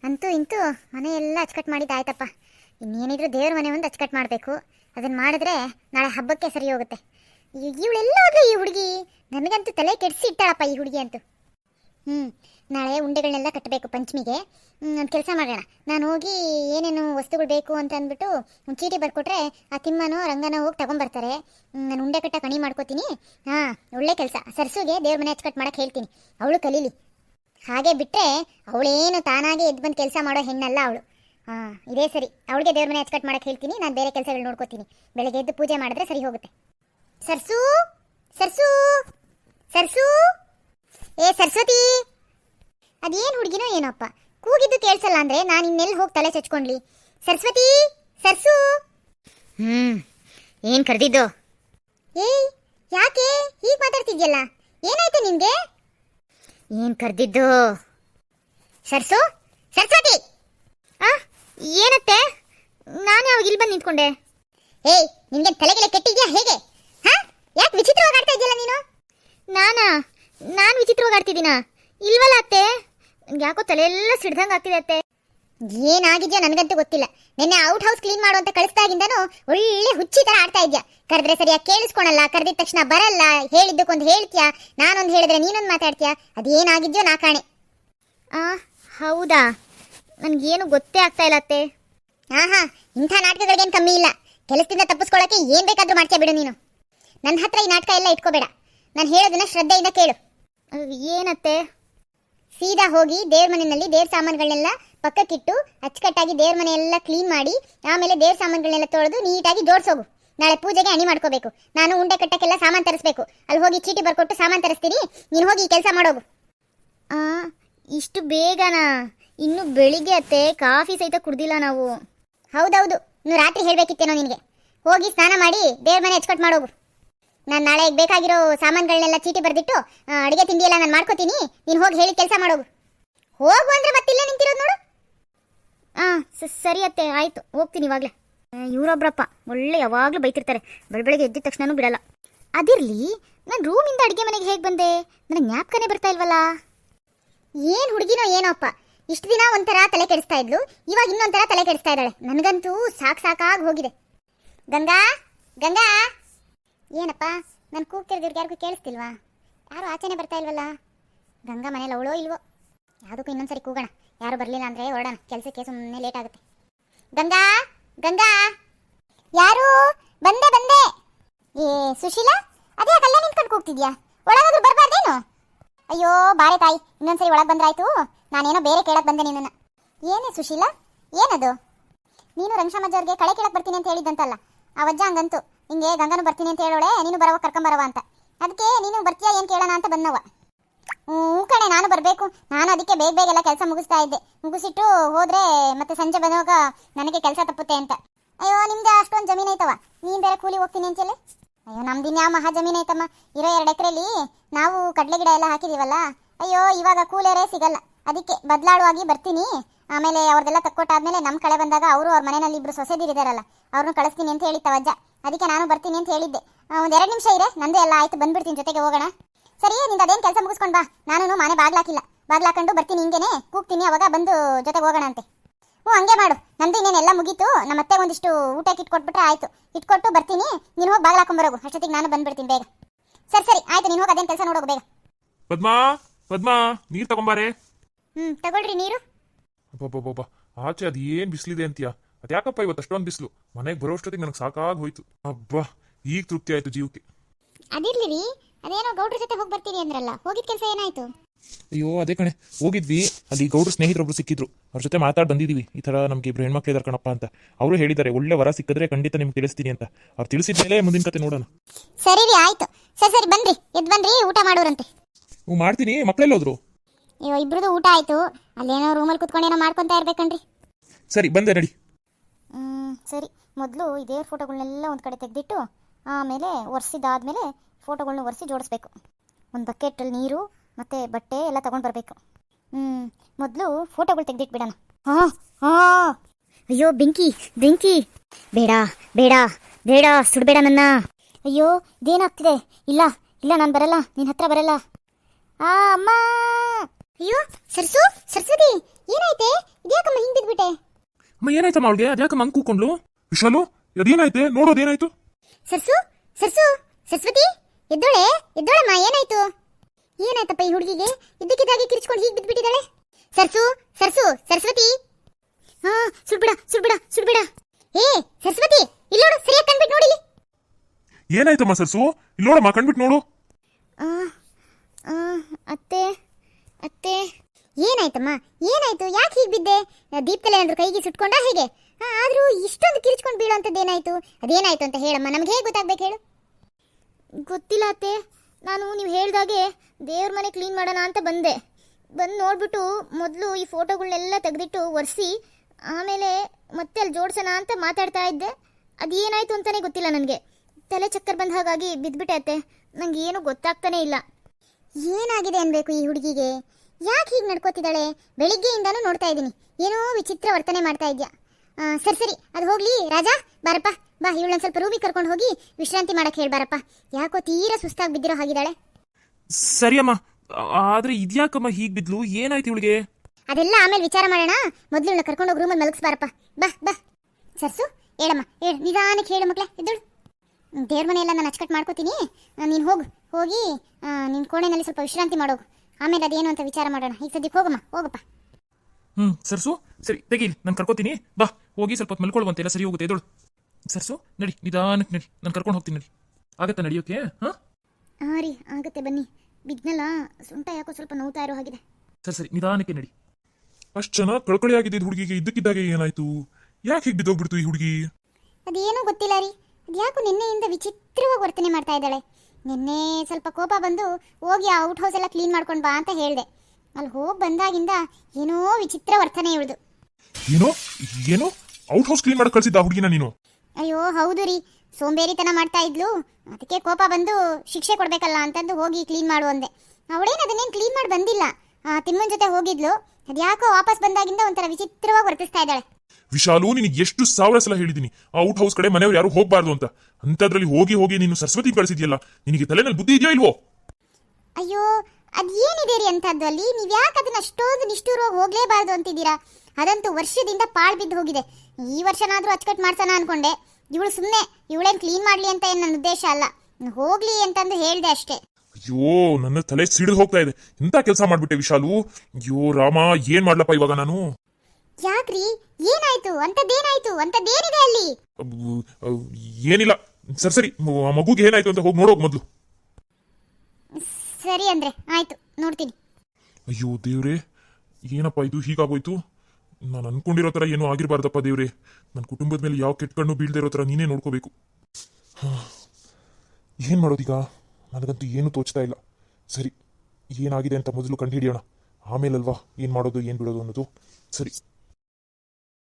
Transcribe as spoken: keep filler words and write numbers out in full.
ಅಂತೂ ಇಂತೂ ಮನೆ ಎಲ್ಲ ಅಚ್ಚಕಟ್ಟು ಮಾಡಿದ್ದಾಯ್ತಪ್ಪ. ಇನ್ನೇನಿದ್ರು ದೇವ್ರ ಮನೆ ಒಂದು ಅಚ್ಚಕಟ್ಟು ಮಾಡಬೇಕು. ಅದನ್ನು ಮಾಡಿದ್ರೆ ನಾಳೆ ಹಬ್ಬಕ್ಕೆ ಸರಿ ಹೋಗುತ್ತೆ. ಇವಳೆಲ್ಲ ಹೋಗ್ಲಿ ಈ ಹುಡುಗಿ, ನನಗಂತೂ ತಲೆ ಕೆಡಿಸಿ ಇಟ್ಟಾಳಪ್ಪ ಈ ಹುಡುಗಿ ಅಂತೂ. ಹ್ಞೂ ನಾಳೆ ಉಂಡೆಗಳನ್ನೆಲ್ಲ ಕಟ್ಟಬೇಕು ಪಂಚಮಿಗೆ. ಒಂದು ಕೆಲಸ ಮಾಡೋಣ, ನಾನು ಹೋಗಿ ಏನೇನು ವಸ್ತುಗಳು ಬೇಕು ಅಂತ ಅಂದ್ಬಿಟ್ಟು ಒಂದು ಚೀಟಿ ಬರ್ಕೊಟ್ರೆ ಆ ತಿಮ್ಮನೋ ರಂಗನೋ ಹೋಗಿ ತಗೊಂಬರ್ತಾರೆ. ನಾನು ಉಂಡೆ ಕಟ್ಟ ಕಣಿ ಮಾಡ್ಕೋತೀನಿ. ಹಾಂ ಒಳ್ಳೆ ಕೆಲಸ. ಸರ್ಸುಗೆ ದೇವ್ರ ಮನೆ ಅಚ್ಚಕಟ್ಟು ಮಾಡೋಕ್ಕೆ ಹೇಳ್ತೀನಿ, ಅವಳು ಕಲೀಲಿ. ಹಾಗೆ ಬಿಟ್ಟರೆ ಅವಳೇನು ತಾನಾಗೆ ಎದ್ದು ಬಂದು ಕೆಲಸ ಮಾಡೋ ಹೆಣ್ಣಲ್ಲ ಅವಳು. ಹಾಂ ಇದೇ ಸರಿ, ಅವಳಿಗೆ ದೇವ್ರ ಮನೆ ಅಚ್ಚಕಟ್ಟು ಮಾಡೋಕ್ಕೆ ಹೇಳ್ತೀನಿ. ನಾನು ಬೇರೆ ಕೆಲಸಗಳು ನೋಡ್ಕೋತೀನಿ. ಬೆಳಗ್ಗೆ ಎದ್ದು ಪೂಜೆ ಮಾಡಿದ್ರೆ ಸರಿ ಹೋಗುತ್ತೆ. ಸರ್ಸು ಸರ್ಸು ಸರ್ಸು ಏ ಸರಸ್ವತಿ, ಅದೇನು ಹುಡುಗಿನೋ ಏನೋಪ್ಪ, ಕೂಗಿದ್ದು ಕೇಳಿಸಲ್ಲ ಅಂದರೆ ನಾನು ಇನ್ನೆಲ್ಲಿ ಹೋಗಿ ತಲೆ ಚಚ್ಕೊಂಡ್ಲಿ. ಸರಸ್ವತಿ, ಸರ್ಸು. ಹ್ಞೂ ಏನು ಕರೆದಿದ್ದು? ಏಯ್ ಯಾಕೆ ಹೀಗೆ ಮಾತಾಡ್ತಿದ್ಯಲ್ಲ, ಏನಾಯ್ತು ನಿನಗೆ? ಏನು ಕರೆದಿದ್ದು? ಸರ್ಸು, ಸರಸ್ವತಿ. ಆ ಏನತ್ತೆ? ನಾನು ಯಾವಾಗ ಇಲ್ಲಿ ಬಂದು ನಿಂತ್ಕೊಂಡೆ? ಏಯ್ ನಿನಗೆ ತಲೆಗೆಲೆ ಕೆಟ್ಟಿದ್ಯಾ ಹೇಗೆ? ಹಾಂ ಯಾಕೆ ವಿಚಿತ್ರವಾಗಿ ಆಡ್ತಾ ಇದೆಯಲ್ಲ ನೀನು? ನಾನಾ? ನಾನು ವಿಚಿತ್ರವಾಗಿ ಆಡ್ತಿದ್ದೀನಾ? ಇಲ್ವಲ್ಲ ಅತ್ತೆ, ಯಾಕೋ ತಲೆಯೆಲ್ಲ ಸಿಡ್ದಂಗೆ ಆಗ್ತಿದೆ ಅತ್ತೆ. ಏನಾಗಿದ್ಯೋ ನನಗಂತೂ ಗೊತ್ತಿಲ್ಲ. ನಿನ್ನೆ ಔಟ್ ಹೌಸ್ ಕ್ಲೀನ್ ಮಾಡುವಂತ ಕಳಿಸ್ದಾಗಿಂದನೂ ಒಳ್ಳೆ ಹುಚ್ಚಿ ಥರ ಆಡ್ತಾ ಇದ್ಯಾ. ಕರೆದ್ರೆ ಸರಿಯಾಗಿ ಕೇಳಿಸ್ಕೊಳಲ್ಲ, ಕರೆದಿದ ತಕ್ಷಣ ಬರಲ್ಲ, ಹೇಳಿದ್ದಕ್ಕೊಂದು ಹೇಳ್ತೀಯಾ, ನಾನೊಂದು ಹೇಳಿದ್ರೆ ನೀನೊಂದು ಮಾತಾಡ್ತೀಯಾ. ಅದೇನಾಗಿದ್ಯೋ ನಾ ಕಾಣೆ. ಆ ಹೌದಾ? ನನಗೇನು ಗೊತ್ತೇ ಆಗ್ತಾ ಇಲ್ಲ ಅತ್ತೆ. ಹಾಂ ಹಾಂ ಇಂಥ ನಾಟಕಗಳಿಗೇನು ಕಮ್ಮಿ ಇಲ್ಲ. ಕೆಲಸದಿಂದ ತಪ್ಪಿಸ್ಕೊಳ್ಳೋಕೆ ಏನು ಬೇಕಾದರೂ ಮಾಡ್ತೀಯ ಬಿಡು ನೀನು. ನನ್ನ ಹತ್ರ ಈ ನಾಟಕ ಎಲ್ಲ ಇಟ್ಕೋಬೇಡ. ನಾನು ಹೇಳೋದನ್ನ ಶ್ರದ್ಧೆಯಿಂದ ಕೇಳು. ಏನತ್ತೆ? ಸೀದಾ ಹೋಗಿ ದೇವ್ರ ಮನೆಯಲ್ಲಿ ದೇವ್ರ ಸಾಮಾನುಗಳನ್ನೆಲ್ಲ ಪಕ್ಕಕ್ಕಿಟ್ಟು ಅಚ್ಚುಕಟ್ಟಾಗಿ ದೇವ್ರ ಮನೆಯೆಲ್ಲ ಕ್ಲೀನ್ ಮಾಡಿ ಆಮೇಲೆ ದೇವ್ರ ಸಾಮಾನುಗಳನ್ನೆಲ್ಲ ತೊಳೆದು ನೀಟಾಗಿ ಜೋಡಿಸೋಗು. ನಾಳೆ ಪೂಜೆಗೆ ಅಣಿ ಮಾಡ್ಕೋಬೇಕು. ನಾನು ಉಂಡೆ ಕಟ್ಟಕ್ಕೆಲ್ಲ ಸಾಮಾನು ತರಿಸ್ಬೇಕು. ಅಲ್ಲಿ ಹೋಗಿ ಚೀಟಿ ಬರ್ಕೊಟ್ಟು ಸಾಮಾನು ತರಿಸ್ತೀನಿ. ನೀನು ಹೋಗಿ ಈ ಕೆಲಸ ಮಾಡೋಗು. ಆ ಇಷ್ಟು ಬೇಗನಾ? ಇನ್ನು ಬೆಳಿಗ್ಗೆ ಅತ್ತೆ, ಕಾಫಿ ಸಹಿತ ಕುಡ್ದಿಲ್ಲ ನಾವು. ಹೌದೌದು, ಇನ್ನು ರಾತ್ರಿ ಹೇಳಬೇಕಿತ್ತೇನೋ ನಿನಗೆ. ಹೋಗಿ ಸ್ನಾನ ಮಾಡಿ ದೇವ್ರ ಮನೆ ಅಚ್ಚುಕಟ್ಟು ಮಾಡೋಗು. ನಾನು ನಾಳೆ ಬೇಕಾಗಿರೋ ಸಾಮಾನುಗಳನ್ನೆಲ್ಲ ಚೀಟಿ ಬರೆದಿಟ್ಟು ಅಡುಗೆ ತಿಂಡಿ ಎಲ್ಲ ನಾನು ಮಾಡ್ಕೋತೀನಿ. ನೀನು ಹೋಗಿ ಹೇಳಿ ಕೆಲಸ ಮಾಡೋಗು. ಹೋಗು ಅಂದರೆ ಮತ್ತಿಲ್ಲೇ ನಿಂತಿರೋದು ನೋಡು. ಹಾಂ ಸರಿ ಅತ್ತೆ, ಆಯಿತು, ಹೋಗ್ತೀನಿ ಇವಾಗಲೇ. ಇವರೊಬ್ರಪ್ಪ ಒಳ್ಳೆ ಯಾವಾಗಲೂ ಬೈತಿರ್ತಾರೆ. ಬೆಳಬೆಳಗ್ಗೆ ಎದ್ದಿದ ತಕ್ಷಣನೂ ಬಿಡಲ್ಲ. ಅದಿರಲಿ, ನಾನು ರೂಮಿಂದ ಅಡುಗೆ ಮನೆಗೆ ಹೇಗೆ ಬಂದೆ? ನನಗೆ ಜ್ಞಾಪಕನೇ ಬರ್ತಾ ಇಲ್ವಲ್ಲ. ಏನು ಹುಡುಗಿನೋ ಏನೋಪ್ಪ, ಇಷ್ಟು ದಿನ ಒಂಥರ ತಲೆ ಕೆಡಿಸ್ತಾ ಇದ್ಲು, ಇವಾಗ ಇನ್ನೊಂಥರ ತಲೆ ಕೆಡಿಸ್ತಾ ಇದ್ದಾಳೆ. ನನಗಂತೂ ಸಾಕು ಸಾಕಾಗಿ ಹೋಗಿದೆ. ಗಂಗಾ ಗಂಗಾ, ಏನಪ್ಪ ನಾನು ಕೂಗ್ತಿರ್ದಿರ್ಗೆ ಯಾರಿಗೂ ಕೇಳಿಸ್ತಿಲ್ವಾ? ಯಾರು ಆಚೆನೆ ಬರ್ತಾ ಇಲ್ವಲ್ಲ. ಗಂಗಾ ಮನೇಲಿ ಅವಳೋ ಇಲ್ವೋ? ಯಾವುದಕ್ಕೂ ಇನ್ನೊಂದ್ಸರಿ ಕೂಗೋಣ. ಯಾರು ಬರಲಿಲ್ಲ ಅಂದರೆ ಹೊರಡೋಣ, ಕೆಲಸಕ್ಕೆ ಸುಮ್ಮನೆ ಲೇಟ್ ಆಗುತ್ತೆ. ಗಂಗಾ ಗಂಗಾ, ಯಾರು? ಬಂದೆ ಬಂದೆ. ಏ ಸುಶೀಲಾ, ಅದೇ ಕಲ್ಲೇ ನಿಂತ್ಕೊಂಡು ಕೂಗ್ತಿದ್ಯಾ? ಒಳಗಾದ್ರೂ ಬರಬಾರ್ದೇನು? ಅಯ್ಯೋ ಬಾರೆ ತಾಯಿ, ಇನ್ನೊಂದ್ಸರಿ ಒಳಗೆ ಬಂದ್ರಾಯ್ತು. ನಾನೇನೋ ಬೇರೆ ಕೇಳಕ್ಕೆ ಬಂದೆ ನಿನ್ನನ್ನು. ಏನೇ ಸುಶೀಲಾ, ಏನದು? ನೀನು ರಂಗಶಾಮಜ್ಜವ್ರಿಗೆ ಕಳೆ ಕೇಳಕ್ಕೆ ಬರ್ತೀನಿ ಅಂತ ಹೇಳಿದ್ದಂತಲ್ಲ, ಆ ವಜ್ಜ ಹಂಗಂತು ಹಿಂಗೆ ಗಂಗನು ಬರ್ತೀನಿ ಅಂತ ಹೇಳೋಳೆ, ನೀನು ಬರವ ಕರ್ಕೊಂಬರವ ಅಂತ. ಅದಕ್ಕೆ ನೀನು ಬರ್ತೀಯಾ ಏನು ಕೇಳೋಣ ಅಂತ ಬಂದವ. ಹ್ಞೂ ಕಣೆ, ನಾನು ಬರಬೇಕು. ನಾನು ಅದಕ್ಕೆ ಬೇಗ ಬೇಗ ಎಲ್ಲ ಕೆಲಸ ಮುಗಿಸ್ತಾ ಇದ್ದೆ. ಮುಗಿಸಿಟ್ಟು ಹೋದರೆ ಮತ್ತೆ ಸಂಜೆ ಬಂದಾಗ ನನಗೆ ಕೆಲಸ ತಪ್ಪುತ್ತೆ ಅಂತ. ಅಯ್ಯೋ ನಿಮ್ದು ಅಷ್ಟೊಂದು ಜಮೀನು ಐತವ, ನೀನು ಬೇರೆ ಕೂಲಿ ಹೋಗ್ತೀನಿ ಅಂತೇಳಿ. ಅಯ್ಯೋ ನಮ್ದು ಇನ್ಯಾವ ಮಹಾ ಜಮೀನು ಐತಮ್ಮ. ಇರೋ ಎರಡು ಎಕರೆಲಿ ನಾವು ಕಡಲೆ ಗಿಡ ಎಲ್ಲ ಹಾಕಿದೀವಲ್ಲ. ಅಯ್ಯೋ ಇವಾಗ ಕೂಲೇರೇ ಸಿಗಲ್ಲ. ಅದಕ್ಕೆ ಬದಲಾಡುವಾಗಿ ಬರ್ತೀನಿ. ಆಮೇಲೆ ಅವ್ರದ್ದೆಲ್ಲ ತಕ್ಕೊಟ್ಟಾದ್ಮೇಲೆ ನಮ್ಮ ಕಳೆ ಬಂದಾಗ ಅವರು ಅವ್ರ ಮನೆಯಲ್ಲಿ ಇಬ್ಬರು ಸೊಸೆದಿರಿದಾರಲ್ಲ, ಅವ್ರನ್ನ ಕಳಿಸ್ತೀನಿ ಅಂತ ಹೇಳಿತ್ತವ ಅಜ್ಜ. ಅದಕ್ಕೆ ನಾನು ಬರ್ತೀನಿ ಅಂತ ಹೇಳಿದ್ದೆ. ಒಂದು ಎರಡು ನಿಮಿಷ ಇರೆ, ನಂದೇ ಎಲ್ಲ ಆಯ್ತು, ಬಂದ್ಬಿಡ್ತೀನಿ, ಜೊತೆಗೆ ಹೋಗೋಣ. ಸರಿ, ನಿಂದು ಅದೇನು ಕೆಲಸ ಮುಗಿಸ್ಕೊಂಡು ಬಾ. ನಾನು ಮನೆ ಬಾಗ್ಲಾಕಿಲ್ಲ, ಬಾಗ್ಲಾಕೊಂಡು ಬರ್ತೀನಿ, ಹಿಂಗೇನೆ ಕೂಗ್ತೀನಿ, ಅವಾಗ ಬಂದು ಜೊತೆಗೆ ಹೋಗೋಣ ಅಂತೆ. ಹ್ಞೂ ಹಂಗೆ ಮಾಡು. ನಂದು ಇನ್ನೇನೆಲ್ಲ ಮುಗೀತು. ನಮ್ಮ ಅತ್ತೆ ಒಂದಿಷ್ಟು ಊಟಕ್ಕೆ ಇಟ್ಕೊಟ್ಬಿಟ್ರೆ ಆಯಿತು. ಇಟ್ಕೊಟ್ಟು ಬರ್ತೀನಿ, ನೀನು ಹೋಗಿ ಬಾಗ್ಲಾಕೊಂಬರೋಗು. ಅಷ್ಟೊತ್ತಿಗೆ ನಾನು ಬಂದ್ಬಿಡ್ತೀನಿ ಬೇಗ. ಸರಿ ಸರಿ ಆಯಿತು, ನೀನು ಹೋಗಿ ಅದೇನು ಕೆಲಸ ನೋಡೋಗು ಬೇಗ. ಪದ್ಮಾ ಪದ್ಮಾ, ನೀರು ತಗೊಂಬಾರೆ. ಹ್ಞೂ ತಗೊಳ್ರಿ ನೀರು. ಅಬ್ಬಬ್ಬಬ್ಬ, ಆಚೆ ಅದು ಏನು ಬಿಸಿಲಿದೆ ಅಂತೀಯಾ? ಅದ್ಯಾಕಪ್ಪ ಇವತ್ತು ಅಷ್ಟೊಂದು ಬಿಸಿಲು? ಮನೆಗೆ ಬರೋಷ್ಟೊತ್ತಿಗೆ ನನಗೆ ಸಾಕಾಗಿ ಹೋಯ್ತು. ಅಬ್ಬಾ, ಈಗ ತೃಪ್ತಿ ಆಯ್ತು ಜೀವಕ್ಕೆ. ಅದಿರ್ಲಿ ರೀ, ಅದೇನೋ ಗೌಡ್ರ ಜೊತೆ ಹೋಗಿ ಬರ್ತೀನಿ ಅಂದ್ರಲ್ಲ, ಹೋಗಿದ್ ಕೆಲಸ ಏನಾಯ್ತು? ಅಯ್ಯೋ ಅದೇ ಕಣೆ, ಹೋಗಿದ್ವಿ. ಅಲ್ಲಿ ಗೌಡ್ರ ಸ್ನೇಹಿತರೊಬ್ರು ಸಿಕ್ಕಿದ್ರು, ಅವ್ರ ಜೊತೆ ಮಾತಾಡಿ ಬಂದಿದ್ದೀವಿ. ಈ ಥರ ನಮಗೆ ಇಬ್ರು ಹೆಣ್ಮಕ್ಳು ಇದಾರೆ ಕಣಪ್ಪ ಅಂತ. ಅವರು ಹೇಳಿದ್ದಾರೆ, ಒಳ್ಳೆ ವರ ಸಿಕ್ಕಿದ್ರೆ ಖಂಡಿತ ನಿಮ್ಗೆ ತಿಳಿಸ್ತೀನಿ ಅಂತ. ಅವ್ರು ತಿಳಿಸಿದ ಮೇಲೆ ಮುಂದಿನ ಕತೆ ನೋಡೋಣ. ಸರಿ ರೀ, ಆಯ್ತು. ಸರಿ ಸರಿ ಬನ್ರಿ, ಎದ್ದು ಬನ್ರಿ, ಊಟ ಮಾಡೋರಂತೆ. ಹ್ಞೂ ಮಾಡ್ತೀನಿ. ಮಕ್ಕಳೆಲ್ಲ ಹೋದ್ರು? ಅಯ್ಯೋ ಇಬ್ರದ್ದು ಊಟ ಆಯ್ತು. ಅಲ್ಲೇನೋ ರೂಮಲ್ಲಿ ಕುತ್ಕೊಂಡೇನೋ ಮಾಡ್ಕೊತಾ ಇರ್ಬೇಕನ್ರಿ. ಸರಿ ಬಂದೆ ನಡಿ. ಹ್ಞೂ ಸರಿ, ಮೊದಲು ಇದೇ ಫೋಟೋಗಳನ್ನೆಲ್ಲ ಒಂದು ಕಡೆ ತೆಗೆದಿಟ್ಟು ಆಮೇಲೆ ಒರೆಸಿದಾದ್ಮೇಲೆ ಫೋಟೋಗಳನ್ನ ಒರೆಸಿ ಜೋಡಿಸ್ಬೇಕು. ಒಂದು ಬಕೆಟಲ್ಲಿ ನೀರು ಮತ್ತು ಬಟ್ಟೆ ಎಲ್ಲ ತೊಗೊಂಡು ಬರಬೇಕು. ಹ್ಞೂ ಮೊದಲು ಫೋಟೋಗಳು ತೆಗೆದಿಟ್ಬಿಡೋಣ. ಹಾಂ ಹಾಂ, ಅಯ್ಯೋ ಬೆಂಕಿ ಬೆಂಕಿ, ಬೇಡ ಬೇಡ ಬೇಡ, ಸುಡಬೇಡ ನನ್ನ. ಅಯ್ಯೋ ಇದೇನಾಗ್ತಿದೆ? ಇಲ್ಲ ಇಲ್ಲ, ನಾನು ಬರಲ್ಲ, ನಿನ್ನ ಹತ್ರ ಬರಲ್ಲ. ಆ ಅಮ್ಮ, ಅಯ್ಯೋ ಸರ್ಸು, ಸರಸ್ವತಿ, ಏನಾಯ್ತೆ? ಇದ್ಯಾಕೆ ಏನಾಯ್ತಮ್ಮ ಅವಳಿಗೆ? ಅದ್ಯಾಕೆ ಮಂಗ್ ಕೂಕೊಂಡ್ಲು? ವಿಶಾಲು, ಅದೇನಾಯ್ತೆ? ನೋಡೋದೇನಾಯ್ತು? ಸರ್ಸು ಸರ್ಸು ಸರಸ್ವತಿ, ಎದ್ದೋಳೆ ಎದ್ದೋಳಮ್ಮ, ಏನಾಯ್ತು? ಏನಾಯ್ತಪ್ಪ ಈ ಹುಡುಗಿಗೆ? ಇದ್ದಕ್ಕಿದ್ದಾಗೆ ಕಿರ್ಚ್ಕೊಂಡು ಹೀಗೆ ಬಿದ್ದುಬಿಟ್ಟಿದ್ದಾಳೆ. ಸರ್ಸು ಸರ್ಸು ಸರಸ್ವತಿ, ಹಾ ಸುಡ್ಬಿಡ ಸುಡ್ಬಿಡ ಸುಡ್ಬಿಡ. ಏ ಸರಸ್ವತಿ, ಇಲ್ಲೋಡು, ಸರಿಯಾಗಿ ಕಣ್ಬಿಟ್ಟು ನೋಡಿ. ಏನಾಯ್ತಮ್ಮ ಸರ್ಸು? ಇಲ್ಲಿ ನೋಡಮ್ಮ, ಕಣ್ಬಿಟ್ಟು ನೋಡು. ಆ, ಆ, ಅತ್ತೆ ಅತ್ತೆ, ಏನಾಯ್ತಮ್ಮ? ಏನಾಯ್ತು? ಯಾಕೆ ಹೀಗೆ ಬಿದ್ದೆ? ದೀಪ್ತಲೆ ಏನಾದ್ರು ಕೈಗೆ ಸುಟ್ಕೊಂಡ ಹೇಗೆ? ಹಾ, ಆದ್ರೂ ಇಷ್ಟೊಂದು ಕಿರ್ಚ್ಕೊಂಡು ಬೀಳೋ ಅಂಥದ್ದು ಏನಾಯ್ತು? ಅದೇನಾಯ್ತು ಅಂತ ಹೇಳಮ್ಮ, ನಮ್ಗೆ ಹೇಗೆ ಗೊತ್ತಾಗ್ಬೇಕು ಹೇಳು? ಗೊತ್ತಿಲ್ಲ ಅತ್ತೆ, ನಾನು ನೀವು ಹೇಳ್ದಾಗೆ ದೇವ್ರ ಮನೆ ಕ್ಲೀನ್ ಮಾಡೋಣ ಅಂತ ಬಂದೆ. ಬಂದು ನೋಡ್ಬಿಟ್ಟು ಮೊದಲು ಈ ಫೋಟೋಗಳನ್ನೆಲ್ಲ ತೆಗೆದಿಟ್ಟು ಒರೆಸಿ ಆಮೇಲೆ ಮತ್ತೆ ಅಲ್ಲಿ ಜೋಡ್ಸೋಣ ಅಂತ ಮಾತಾಡ್ತಾ ಇದ್ದೆ. ಅದೇನಾಯ್ತು ಅಂತಲೇ ಗೊತ್ತಿಲ್ಲ ನನಗೆ. ತಲೆ ಚಕ್ಕರ್ ಬಂದ ಹಾಗಾಗಿ ಬಿದ್ದುಬಿಟ್ಟೆ ಅತ್ತೆ. ನಂಗೆ ಏನು ಗೊತ್ತಾಗ್ತಾನೇ ಇಲ್ಲ. ಏನಾಗಿದೆ ಅನ್ಬೇಕು ಈ ಹುಡುಗಿಗೆ? ಯಾಕೆ ಹೀಗೆ ನಡ್ಕೋತಿದ್ದಾಳೆ? ಬೆಳಿಗ್ಗೆಯಿಂದನೂ ನೋಡ್ತಾ ಇದ್ದೀನಿ, ಏನೋ ವಿಚಿತ್ರ ವರ್ತನೆ ಮಾಡ್ತಾ ಇದ್ಯಾ. ಸರಿ ಸರಿ, ಅದು ಹೋಗ್ಲಿ. ರಾಜಾ, ಬಾರಪ್ಪ ಬಾ, ಇವಳನ್ನ ಸ್ವಲ್ಪ ರೂಮಿಗೆ ಕರ್ಕೊಂಡು ಹೋಗಿ ವಿಶ್ರಾಂತಿ ಮಾಡಕ್ಕೆ ಹೇಳ್ಬಾರಪ್ಪ. ಯಾಕೋ ತೀರಾ ಸುಸ್ತಾಗಿ ಬಿದ್ದಿರೋ ಹಾಗಿದ್ದಾಳೆ. ಸರಿಯಮ್ಮ, ಆದ್ರೆ ಇದ್ಯಾಕಮ್ಮ ಹೀಗ್ ಬಿದ್ಲು? ಏನಾಯ್ತು ಇವಳಿಗೆ? ಅದೆಲ್ಲ ಆಮೇಲೆ ವಿಚಾರ ಮಾಡೋಣ. ಮೊದಲು ಇವಳನ್ನ ಕರ್ಕೊಂಡು ಹೋಗಿ ರೂಮಲ್ಲಿ ಮಲಗಿಸ್ಬಾರಪ್ಪ. ಬಾ ಬಾ. ಸರ್ಸು, ಹೇಳಮ್ಮ, ಹೇಳು, ನಿಧಾನಕ್ಕೆ ಹೇಳು ಮಕ್ಳೆ, ಎದ್ದಳು. ದೇವ್ರ ಮನೆಯೆಲ್ಲ ನಾನು ಅಚ್ಚಕಟ್ಟು ಮಾಡ್ಕೋತೀನಿ, ನೀನು ಹೋಗು. ಹೋಗಿ ನಿನ್ನ ಕೋಣೆನಲ್ಲಿ ಸ್ವಲ್ಪ ವಿಶ್ರಾಂತಿ ಮಾಡೋಗು. ಆಮೇಲೆ ಅದೇನು ಅಂತ ವಿಚಾರ ಮಾಡೋಣ. ಈಗ ಸದ್ಯಕ್ಕೆ ಹೋಗಮ್ಮ, ಹೋಗಪ್ಪ. ಹ್ಮ್ ಸರ್ಸು, ಸರಿ ತೆಗೀಲಿ, ನಾನು ಕರ್ಕೋತೀನಿ. ಬಾ, ಹೋಗಿ ಸ್ವಲ್ಪ ಮಲ್ಕೊಳ್ಳುವಂತೆ, ಎಲ್ಲ ಸರಿ ಹೋಗುತ್ತೆ, ಎದಳು. ಸರ್ಸು, ನಡಿ, ನಿಧಾನಕ್ಕೆ ನಡಿ, ನಾನು ಕರ್ಕೊಂಡು ಹೋಗ್ತೀನಿ. ನಡಿ, ಆಗತ್ತಾ ನಡಿಯೋಕೆ? ಹಾ ಹಾಂ ರೀ, ಆಗುತ್ತೆ ಬನ್ನಿ. ಬಿದ್ನಲ್ಲ, ಸೊಂಟ ಯಾಕೋ ಸ್ವಲ್ಪ ನೋವ್ತಾ ಇರೋ ಹಾಗಿದೆ. ಸರಿ ಸರಿ, ನಿಧಾನಕ್ಕೆ ನಡಿ. ಅಷ್ಟು ಚೆನ್ನಾಗಿ ಕಳ್ಕಳಿ ಆಗಿದ್ದು ಹುಡುಗಿಗೆ ಇದ್ದಕ್ಕಿದ್ದಾಗೆ ಏನಾಯ್ತು? ಯಾಕೆ ಹೀಗೆ ಬಿದ್ದೋಗ್ಬಿಡ್ತು ಈ ಹುಡುಗಿ? ಅದೇನೂ ಗೊತ್ತಿಲ್ಲ ರೀ, ಅದ್ಯಾಕೋ ನಿನ್ನೆಯಿಂದ ವಿಚಿತ್ರವಾಗಿ ವರ್ತನೆ ಮಾಡ್ತಾ ಇದ್ದಾಳೆ. ನಿನ್ನೆ ಸ್ವಲ್ಪ ಕೋಪ ಬಂದು ಹೋಗಿ ಆ ಔಟ್ ಹೌಸ್ ಎಲ್ಲ ಕ್ಲೀನ್ ಮಾಡ್ಕೊಂಡು ಬಾ ಅಂತ ಹೇಳಿದೆ. ಅಲ್ಲಿ ಹೋಗಿ ಬಂದಾಗಿಂದ ಏನೋ ವಿಚಿತ್ರ ವರ್ತನೆ ಇವಳ್ದು. ಏನೋ ಏನೋ ಔಟ್ ಹೌಸ್ ಕ್ಲೀನ್ ಮಾಡಕ್ ಕಳ್ಸಿದ್ದ ಹುಡುಗಿನ ನೀನು? ಅಯ್ಯೋ ಹೌದು ರೀ, ಸೋಂಬೇರಿತನ ಮಾಡ್ತಾ ಇದ್ಲು. ಅದಕ್ಕೆ ಕೋಪ ಬಂದು ಶಿಕ್ಷೆ ಕೊಡ್ಬೇಕಲ್ಲ ಅಂತಂದು ಹೋಗಿ ಕ್ಲೀನ್ ಮಾಡು ಅಂದೆ. ಅವಳೇನು ಅದನ್ನೇನು ಕ್ಲೀನ್ ಮಾಡಿ ಬಂದಿಲ್ಲ, ತಿಮ್ಮನ ಜೊತೆ ಹೋಗಿದ್ಲು. ಅದ್ಯಾಕೋ ವಾಪಸ್ ಬಂದಾಗಿಂದ ಒಂಥರ ವಿಚಿತ್ರವಾಗಿ ವರ್ತಿಸ್ತಾ ಇದ್ದಾಳೆ. ವಿಶಾಲು, ನಿನಗೆ ಎಷ್ಟು ಸಾವಿರ ಸಲ ಹೇಳಿದ್ದೀನಿ ಆ ಔಟ್ ಹೌಸ್ ಕಡೆ ಮನೆಯವ್ರು ಯಾರು ಹೋಗ್ಬಾರ್ದು ಅಂತ. ಅಂತದ್ರಲ್ಲಿ ಹೋಗಿ ಹೋಗಿ ನೀನು ಸರಸ್ವತಿ ಕಳಿಸಿದ್ಯಲ್ಲ, ನಿನಗೆ ತಲೆನಲ್ಲಿ ಬುದ್ಧಿ ಇದೆಯೋ ಇಲ್ವೋ? ಅಯ್ಯೋ, ಅದೇನಿದೆ ರೀ ಅಂತದ್ದು ಅಲ್ಲಿ? ನೀವು ಯಾಕೆ ಅದನ್ನ ಅಷ್ಟೊಂದು ನಿಷ್ಠೂರವಾಗಿ ಹೋಗ್ಲೇಬಾರ್ದು ಅಂತಿದ್ದೀರಾ? ಅದಂತೂ ವರ್ಷದಿಂದ ಪಾಳು ಬಿದ್ದು ಹೋಗಿದೆ. ಈ ವರ್ಷನಾದ್ರೂ ಅಚ್ಚಕಟ್ಟು ಮಾಡ್ಸೋಣ ಅನ್ಕೊಂಡೆ. ಇವಳು ಸುಮ್ಮನೆ ಇವಳೇನು ಕ್ಲೀನ್ ಮಾಡ್ಲಿ ಅಂತ ಏನು ನನ್ನ ಉದ್ದೇಶ ಅಲ್ಲ, ಹೋಗ್ಲಿ ಅಂತಂದು ಹೇಳ್ದೆ ಅಷ್ಟೇ. ಅಯ್ಯೋ, ನನ್ನ ತಲೆ ಸಿಡಿದು ಹೋಗ್ತಾ ಇದೆ. ಎಂತ ಕೆಲಸ ಮಾಡ್ಬಿಟ್ಟೆ ವಿಶಾಲು. ಅಯ್ಯೋ ರಾಮ, ಏನ್ ಮಾಡ್ಲಪ್ಪ ಇವಾಗ ನಾನು? ಯಾಕ್ರಿ, ಏನಾಯ್ತು? ಅಂತದ್ದೇನಾಯ್ತು? ಅಂತದ್ದೇನಿದೆ ಅಲ್ಲಿ? ಏನಿಲ್ಲ, ಸರಿ ಸರಿ, ಮಗುಗೆ ಏನಾಯ್ತು ಅಂತ ಹೋಗಿ ನೋಡೋಕ್ ಮೊದ್ಲು. ಸರಿ ಅಂದ್ರೆ ಆಯ್ತು, ನೋಡ್ತೀನಿ. ಅಯ್ಯೋ ದೇವ್ರೆ, ಏನಪ್ಪ ಇದು ಹೀಗಾಗೋಯ್ತು? ನಾನು ಅನ್ಕೊಂಡಿರೋ ಥರ ಏನೂ ಆಗಿರಬಾರ್ದಪ್ಪ ದೇವ್ರೆ. ನನ್ನ ಕುಟುಂಬದ ಮೇಲೆ ಯಾವ ಕೆಟ್ಟ ಕಣ್ಣು ಬೀಳದೆ ಇರೋ ಥರ ನೀನೇ ನೋಡ್ಕೋಬೇಕು. ಏನು ಮಾಡೋದೀಗ? ನನಗಂತೂ ಏನೂ ತೋಚ್ತಾ ಇಲ್ಲ. ಸರಿ, ಏನಾಗಿದೆ ಅಂತ ಮೊದಲು ಕಂಡುಹಿಡಿಯೋಣ, ಆಮೇಲಲ್ವಾ ಏನು ಮಾಡೋದು ಏನು ಬಿಡೋದು ಅನ್ನೋದು. ಸರಿ.